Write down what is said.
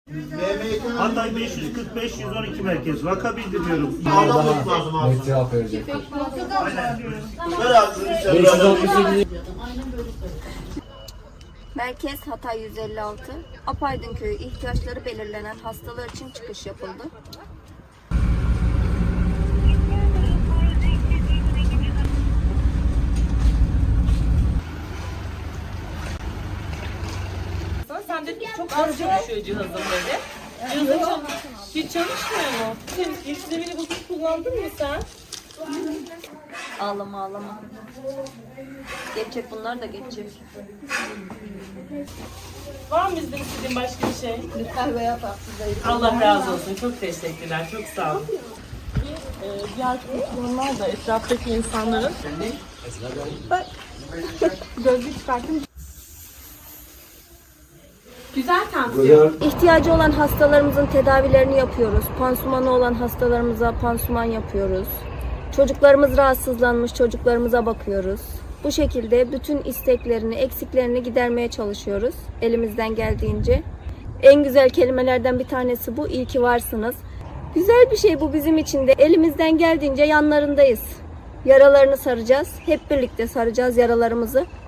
Hatay 545 112 merkez. Vaka bildiriyorum. Net cevap verecek. Merkez Hatay 156, Apaydın Köyü ihtiyaçları belirlenen hastalar için çıkış yapıldı. Sen de çok az çalışıyor cihazın dedi. Cihazın hiç çalışmıyor mu? Sen ilk zemini bozuk kullandın mı sen? Ağlama ağlama. Geçecek, bunlar da geçecek. Var mı bizden istediğin başka bir şey? Lütfen veya tatsızlayın. Allah razı olsun. Çok teşekkürler. Çok sağ olun. Diğer kurtulanlar da etraftaki insanların gözlük çıkartın. Güzel tansiyon. İhtiyacı olan hastalarımızın tedavilerini yapıyoruz. Pansumanı olan hastalarımıza pansuman yapıyoruz. Çocuklarımız rahatsızlanmış, çocuklarımıza bakıyoruz. Bu şekilde bütün isteklerini, eksiklerini gidermeye çalışıyoruz elimizden geldiğince. En güzel kelimelerden bir tanesi bu. İyi ki varsınız. Güzel bir şey bu bizim için de. Elimizden geldiğince yanlarındayız. Yaralarını saracağız. Hep birlikte saracağız yaralarımızı.